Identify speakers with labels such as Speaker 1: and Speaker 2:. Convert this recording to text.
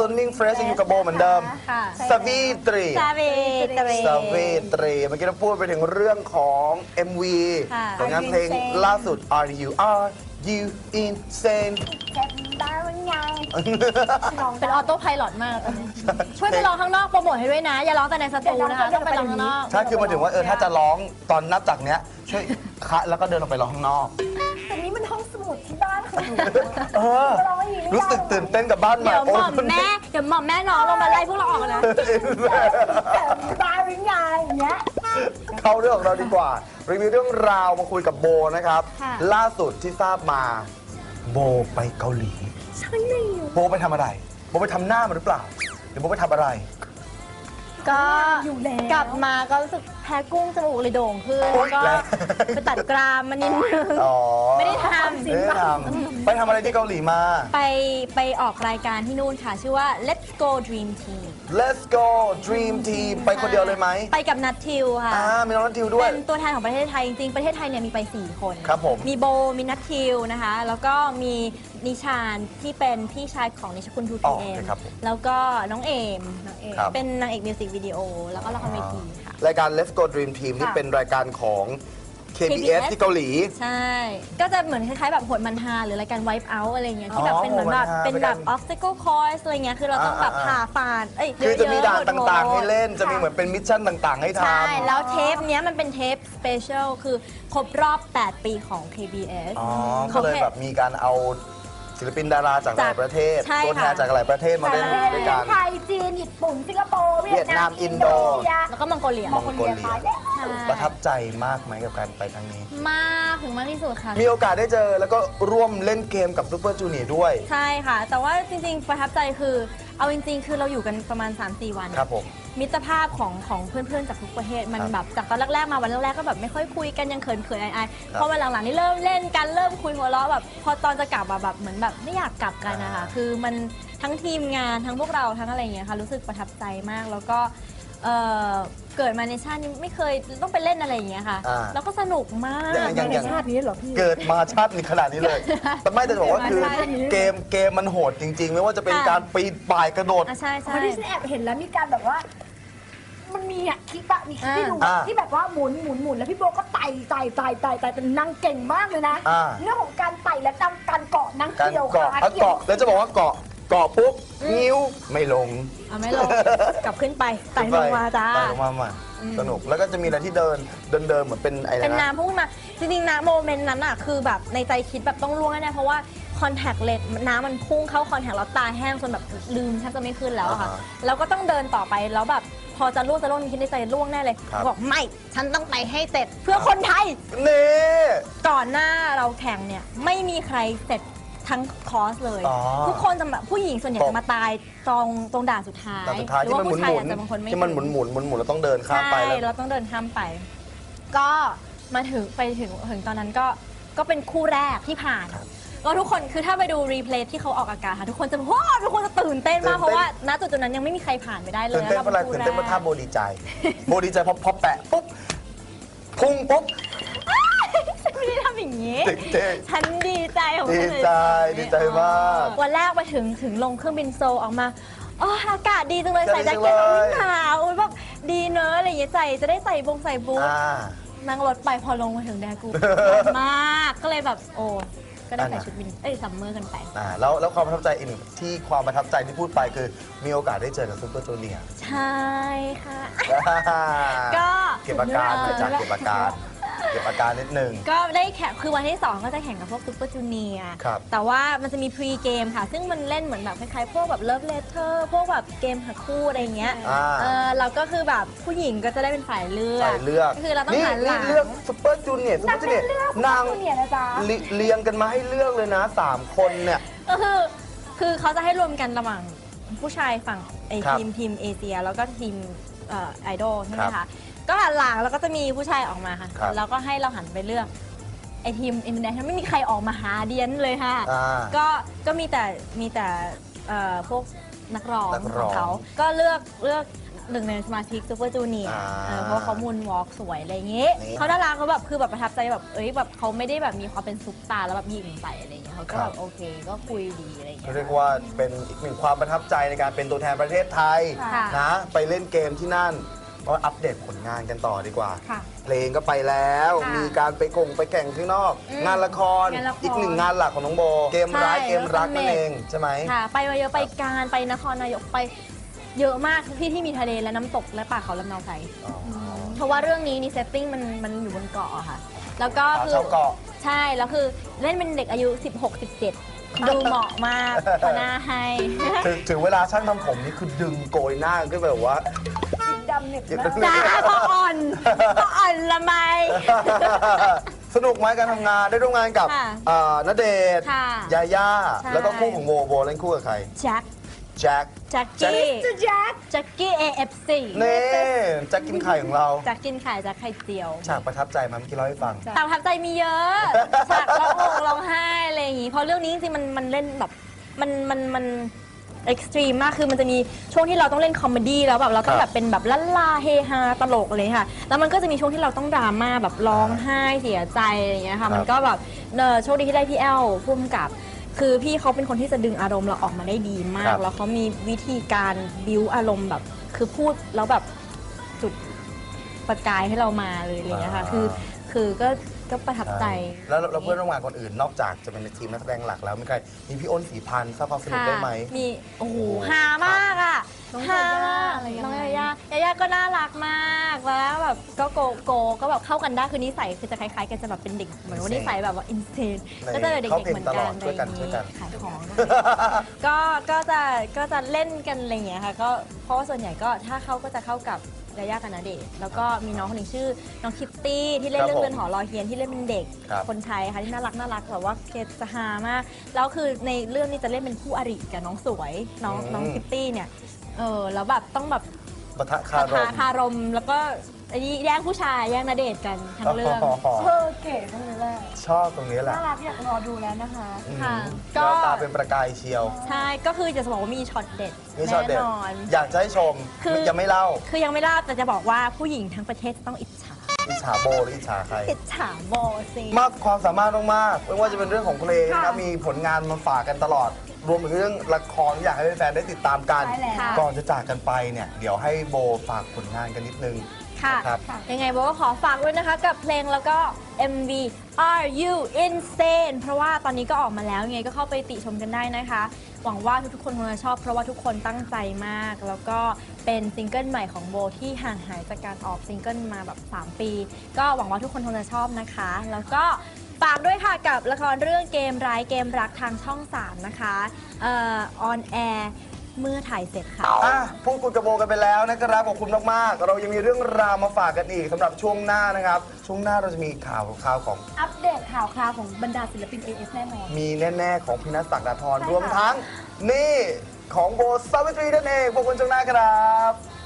Speaker 1: Stunning Fresh อยู่กับโบเหมือนเดิมสวีตรีเมื่อกี้เราพูดไปถึงเรื่องของ MV ผลงานเพลงล่าสุด Are You Insane
Speaker 2: เป็นออโต้ไพลอตมากช่วยไปร้องข้างนอกโปรโมทให้ด้วยนะอย่าร้องแต่ในสตูนะคะต้องไปร้องข้างนอก
Speaker 1: ใช่คือมาถึงว่าถ้าจะร้องตอนนับจากเนี้ยช่วยคะแล้วก็เดินออกไปร้องข้างนอก
Speaker 3: แต่นี้มันห้องสมุดที่บ้านคือ
Speaker 1: รู้สึกตื่นเต้นกับบ้านใหม่
Speaker 2: เดี๋ยวหม่อมแม่น้องลงมาไล่พวกเราออกนะ
Speaker 3: บ้านยังไงอย่างเงี้ย
Speaker 1: เข้าเรื่องของเราดีกว่ารีวิวเรื่องราวมาคุยกับโบนะครับล่าสุดที่ทราบมาโบไปเกาหลี
Speaker 3: ใช่เลย
Speaker 1: โบไปทำอะไรโบไปทำหน้ามาหรือเปล่าหรือโบไปทำอะไร
Speaker 2: ก็กลับมาก็รู้สึกแพ้กุ้งจมูกเลยโด่งขึ้นแล้วก็ไปตัดกรามมานิดนึงไม่ได้ทำ
Speaker 1: ไปทำอะไรที่เกาหลีมา
Speaker 2: ไปออกรายการที่นู่นค่ะชื่อว่า Let's Go Dream Team
Speaker 1: Let's Go Dream Team ไปคนเดียวเลยไหม
Speaker 2: ไปกับนัททิวค่ะ
Speaker 1: มีน้องนัททิวด้วย
Speaker 2: เป็นตัวแทนของประเทศไทยจริงๆประเทศไทยเนี่ยมีไป4คน
Speaker 1: ครับผม
Speaker 2: มีโบมีนัททิวนะคะแล้วก็มีนิชานที่เป็นพี่ชายของนิชคุณทูทีเอ็มแล้วก็น้องเอมเป็นนางเอกมิวสิกวิดีโอแล้วก็ละครเวทีค่ะ
Speaker 1: รายการ Let's Go Dream Team นี่เป็นรายการของ KBS ที่เกาหลี
Speaker 2: ใช่ก็จะเหมือนคล้ายๆแบบโหดมันฮาหรือรายการ Wipe Out อะไรเงี้ยที่แบบเป็นเหมือนแบบเป็นแบบ obstacle course อะไรเงี้ยคือเราต้องแบบผ่าฟัน
Speaker 1: คือจะมีด่านต่างๆให้เล่นจะมีเหมือนเป็นมิชชั่นต่างๆให้ทำ
Speaker 2: ใช่แล้วเทปเนี้ยมันเป็นเทปสเปเชียลคือครบรอบ8ปีของ KBS
Speaker 1: ก็เลยแบบมีการเอาศิลปินดาราจากหลายประเทศตัวแทนจากหลายประเทศมาเล่นด้วยกัน
Speaker 3: ไทยจีนญี่ปุ่นสิงคโปร์
Speaker 1: เวียดนามอินโด
Speaker 2: แล้วก็มองโกเลีย
Speaker 1: ประทับใจมากไหมกับการไปครั้งนี้
Speaker 2: มากถึงมากที่สุดค่ะ
Speaker 1: มีโอกาสได้เจอแล้วก็ร่วมเล่นเกมกับซูเปอร์จูเนียร์ด้วย
Speaker 2: ใช่ค่ะแต่ว่าจริงๆประทับใจคือเอาจริงๆคือเราอยู่กันประมาณ 3-4 วัน
Speaker 1: ครับผม
Speaker 2: มิตรภาพของเพื่อนๆจากทุกประเทศมันแบบจากตอนแรกๆมาวันแรกๆก็แบบไม่ค่อยคุยกันยังเขินๆอายๆพอวันหลังๆนี่เริ่มเล่นกันเริ่มคุยหัวเราะแบบพอตอนจะกลับแบบเหมือนแบบไม่อยากกลับกันนะคะคือมันทั้งทีมงานทั้งพวกเราทั้งอะไรอย่างเงี้ยค่ะรู้สึกประทับใจมากแล้วก็เกิดมาในชาตินี้ไม่เคยต้องไปเล่นอะไรอย่างเงี้ยค่ะแล้วก็สนุกมาก
Speaker 3: ในชาตินี้เหรอพี่
Speaker 1: เกิดมาชาตินี้ขนาดนี้เลยแต่ไม่แต่บอกว่าคือเกมมันโหดจริงๆไม่ว่าจะเป็นการปีนป่ายกระโดด
Speaker 2: ใช่
Speaker 3: คนที่ฉันแอบเห็นแล้วมีการแบบว่ามันมีคลิปอะมีคลิปที่ดูที่แบบว่าหมุนแล้วพี่โบก็ไต่เป็นนางเก่งมากเลยนะเรื่องของการไต่และการเกาะนางเกี่ยวขา
Speaker 1: เกาะแล้วจะบอกว่าเกาะปุ๊บนิ้วไม่ลง
Speaker 2: กลับขึ้นไปไต่ลงมาจ้า
Speaker 1: ไต่ลงมาใหม่สนุกแล้วก็จะมีอะไรที่เดินเหมือนเป็นอะไร
Speaker 2: เป็นน้ำพุ่งมาจริงๆนะโมเมนต์นั้นอะคือแบบในใจคิดแบบต้องล่วงแน่เพราะว่าคอนแทคเลนส์น้ำมันพุ่งเข้าคอนแทคแล้วตาแห้งจนแบบลืมแทบจะไม่ขึ้นแล้วค่ะแล้วก็ต้องเดินต่อไปแล้วแบบพอจะล่วงคิดในใจล่วงแน่เลยบอกไม่ฉันต้องไปให้เสร็จเพื่อคนไทย
Speaker 1: นี่
Speaker 2: ก่อนหน้าเราแข่งเนี่ยไม่มีใครเสร็จทั้งคอร์สเลยทุกคนจะแบบผู้หญิงส่วนใหญ่จะมาตายตรงด่านสุดท้าย
Speaker 1: หรือว่าผู้ชายอาจจะบางคนไม่ที่มันหมุนแล้วต้องเดินข้ามไป
Speaker 2: แล้วเราต้องเดินข้ามไปก็มาไปถึงตอนนั้นก็เป็นคู่แรกที่ผ่านก็ทุกคนคือถ้าไปดูรีเพลย์ที่เขาออกอากาศค่ะทุกคนจะตื่นเต้นมากเพราะว่าณจุดนั้นยังไม่มีใครผ่านไปได้เลย
Speaker 1: ตื่นเต้นเพราะอะไรตื่นเต้นเพราะท่าโบดีใจพอแปะปุ๊บพุ่งปุ๊บ
Speaker 2: ฉันไม่ได้ทำอย่างนี้ฉันดีใจของ
Speaker 1: ดีใจมาก
Speaker 2: วันแรกไปถึงลงเครื่องบินโซออกมาอากาศดีจังเลยใส่แจ็คเก็ตไม่หนาวแบบดีเนอะอะไรอย่างเงี้ยจะได้ใส่บูทนั่งรถไปพอลงมาถึงแดกูมากก็เลยแบบก็ได้ใส่ชุดวินซัมเมอร์กันไป
Speaker 1: แล้วความประทับใจอีกที่ความประทับใจที่พูดไปคือมีโอกาสได้เจอกับซูเปอร์จูเนียร์
Speaker 2: ใช่ค่ะ
Speaker 1: ก็เก็บอาการเก็บอาการนิดนึง
Speaker 2: ก็ได้แข่งคือวันที่2ก็จะแข่งกับพวกซูเปอร์จูเนียร์แต่ว่ามันจะมีพรีเกมค่ะซึ่งมันเล่นเหมือนแบบคล้ายๆพวกแบบเลิฟเลเทอร์พวกแบบเกมหาคู่อะไรเงี้ยเราก็คือแบบผู้หญิงก็จะได้เป็นฝ่ายเลือกคือเราต้องหันหลัง
Speaker 1: เลือกซูเปอร์จูเนียร์นางเรียงกันมาให้เลือกเลยนะ3คนเนี่ย
Speaker 2: ก็คือเขาจะให้รวมกันระหว่างผู้ชายฝั่งทีมเอเชียแล้วก็ทีมไอดอลใช่ไหมคะก็หันหลังแล้วก็จะมีผู้ชายออกมาค่ะแล้วก็ให้เราหันไปเลือกไอทีมอินเดียไม่มีใครออกมาหาเดียนเลยค่ะก็มีแต่พวกนักร้องของเขาก็เลือกหนึ่งในสมาชิกซูเปอร์จูเนียร์เพราะว่าเขามูนวอล์กสวยอะไรอย่างงี้
Speaker 1: นี่
Speaker 2: เขาน่ารักเขาแบบคือแบบประทับใจแบบแบบเขาไม่ได้แบบมีความเป็นซุปตาร์แล้วแบบยิงใส่อะไรอย่างเงี้ยเขาก็แบบโอเคก็คุยดีอะไรอย่างเงี้ย
Speaker 1: เรียกว่าเป็นอีกหนึ่งความประทับใจในการเป็นตัวแทนประเทศไทย
Speaker 2: ค่ะ
Speaker 1: นะไปเล่นเกมที่นั่นก็อัปเดตผลงานกันต่อดีกว่า
Speaker 3: ค่ะ
Speaker 1: เพลงก็ไปแล้ว
Speaker 2: ค่ะ
Speaker 1: มีการไปแข่งข้างนอก งานละคร
Speaker 2: งานละคร
Speaker 1: อีกหนึ่งงานหลักของน้องโบ เกมร้าย
Speaker 2: ใช่
Speaker 1: เกมรักนั่นเองใช่ไหม
Speaker 2: ค่ะไปมาเยอะไปการไปนครนายกไปเยอะมากทุกที่ที่มีทะเลและน้ำตกและป่าเขาลำเนาไพร
Speaker 1: อ๋อ
Speaker 2: เพราะว่าเรื่องนี้นี่เซตติ้งมันอยู่บนเกาะอะค่ะ แล้วก็
Speaker 1: สาว
Speaker 2: คือ
Speaker 1: ชาวเกาะ
Speaker 2: ใช่แล้วคือเล่นเป็นเด็กอายุ 16-17 ดูเหมาะมากพอหน้าให้
Speaker 1: ถึงเวลาช่างทำผมนี่คือดึงโกยหน้าก็แบบว่า
Speaker 3: สีดำเนี่ย
Speaker 2: จ้าพออ่อนพออ่อนละไม
Speaker 1: สนุกไหมการทำงานได้ร่วมงานกับ
Speaker 2: ค่ะ
Speaker 1: ณเดชน์
Speaker 2: ค่ะ
Speaker 1: ยาย่า
Speaker 2: ใช่
Speaker 1: แล้วก็คู่ของโบเล่นคู่กับใคร
Speaker 2: แจ็ค
Speaker 1: แจ็ค
Speaker 2: แจ็คกี้
Speaker 3: จะแจ๊ค
Speaker 2: แจ็คกี้ AFC
Speaker 1: นี่แจ็คกินไข่ของเรา
Speaker 2: แจ็คกินไข่แจ็คไข่เจียว
Speaker 1: ฉากประทับใจมาเมื่อกี้เล่าให้ฟัง
Speaker 2: แต่ประทับใจมีเยอะฉากร้องห่มร้องไห้อะไรอย่างงี้ เพราะเรื่องนี้จริงๆมันเล่นแบบมันเอ็กซ์ตรีมมาก คือมันจะมีช่วงที่เราต้องเล่นคอมเมดี้แล้วแบบเราต้องแบบเป็นแบบลั่นลาเฮฮาตลกเลยค่ะ แล้วมันก็จะมีช่วงที่เราต้องดราม่าแบบร้องไห้เสียใจอะไรอย่างเงี้ยค่ะ มันก็แบบโชคดีที่ได้พี่แอลพุ่มกับ คือพี่เขาเป็นคนที่จะดึงอารมณ์เราออกมาได้ดีมา
Speaker 1: ครั
Speaker 2: ก
Speaker 1: บ
Speaker 2: แล้วเขามีวิธีการบิ้วอารมณ์แบบ คือพูดแล้วแบบจุดประกายให้เรามาเลยอะไรอย่างเงี้ยค่ะ คือก็ประทับใจ
Speaker 1: แล้วเพื่อนร่วมงานคนอื่นนอกจากจะเป็นในทีมนักแสดงหลักแล้วมีใครมีพี่อ้นศรีพันธ์ทราบความสนุกได้ไหม
Speaker 2: มีโอ้โหฮามากอ่ะ
Speaker 3: น้อง
Speaker 2: ฮาย
Speaker 3: าย่าอะไรยังไง
Speaker 2: น้องยาย่ายาย่าก็น่ารักมากแล้วแบบก็โกก็แบบเข้ากันได้คือนิสัยคือจะคล้ายๆกันจะแบบเป็นเด็กเหมือนว่านิสัยแบบว่าอินเทนก็จะเด็กๆเหมือนกันอะไรอย่างนี้ขายของก็จะเล่นกันอะไรอย่างเงี้ยค่ะก็เพราะว่าส่วนใหญ่ก็ถ้าเข้าก็จะเข้ากับยาย่ากับณเดชน์แล้วก็มีน้องคนหนึ่งชื่อน้องคิตตี้ที่เล่นเรื่องเรือนหอรอเฮียนที่เล่นเป็นเด็ก
Speaker 1: ครับ
Speaker 2: คนไทยค่ะที่น่ารักแบบว่าเคจะฮามากแล้วคือในเรื่องนี้จะเล่นเป็นคู่อริกับน้องสวยน้องคิตตี้เนี่ยแล้วแบบต้องแบบ
Speaker 1: ปะทะคารม
Speaker 2: คารมแล้วก็ไอ้นี่แย่งผู้ชายแย่งณเดชน์กันทั้งเรื่อง
Speaker 3: เก๋ตรงนี้แหละ
Speaker 1: ชอบตรงนี้แหละ
Speaker 3: น่ารักอยากรอดูแล้วนะคะ
Speaker 2: ค่ะ
Speaker 1: ก็
Speaker 2: ก็
Speaker 1: ตาเป็นประกายเชียว
Speaker 2: ใช่ก็คือจะบอกว่ามีช็อตเด็ด
Speaker 1: นี่ชอบเด็ด
Speaker 2: แน่นอน
Speaker 1: อยากจะให้ชม
Speaker 2: คือ
Speaker 1: ยังไม่เล่า
Speaker 2: คือยังไม่เล่าแต่จะบอกว่าผู้หญิงทั้งประเทศต้องอิจฉา
Speaker 1: อิจฉาโบหรืออิจฉาใคร
Speaker 2: อิจฉาโบสิ
Speaker 1: มากความสามารถมากๆไม่ว่าจะเป็นเรื่องของเพลงนะครับ
Speaker 3: ค่ะ
Speaker 1: มีผลงานมาฝากกันตลอด รวมถึงเรื่องละครที่อยากให้แฟนๆได้ติดตามกัน
Speaker 3: ใช่แล้ว
Speaker 1: ก่อนจะจากกันไปเนี่ย เดี๋ยวให้โบฝากผลงานกันนิดนึง
Speaker 2: ค่ะ
Speaker 1: นะครับ
Speaker 2: ยังไงโบก็ขอฝากด้วยนะคะกับเพลงแล้วก็ MV Are You Insane เพราะว่าตอนนี้ก็ออกมาแล้วยังไงก็เข้าไปติชมกันได้นะคะ หวังว่าทุกๆคนคงจะชอบเพราะว่าทุกคนตั้งใจมาก แล้วก็เป็นซิงเกิลใหม่ของโบที่ห่างหายจากการออกซิงเกิลมาแบบ 3 ปี ก็หวังว่าทุกคนคงจะชอบนะคะ แล้วก็ฝากด้วยค่ะกับละครเรื่องเกมร้ายเกมรักทางช่อง 3 นะคะออนแอร์เมื่อถ่ายเสร็จค่ะ
Speaker 1: พูดคุยกับโบกันไปแล้วนะครับขอบคุณมากๆ เรายังมีเรื่องราวมาฝากกันอีกสำหรับช่วงหน้านะครับ ช่วงหน้าเราจะมีข่าวของ
Speaker 3: อัปเดตข่าวคราวของบรรดาศิลปิน AF แน่นอน
Speaker 1: มีแน่ๆของพินัสศักดาธร
Speaker 3: ใช่ค่ะ
Speaker 1: รวมทั้งนี่ของโบสาวิตรีนั่นเองพวกคุณช่วงหน้าครับ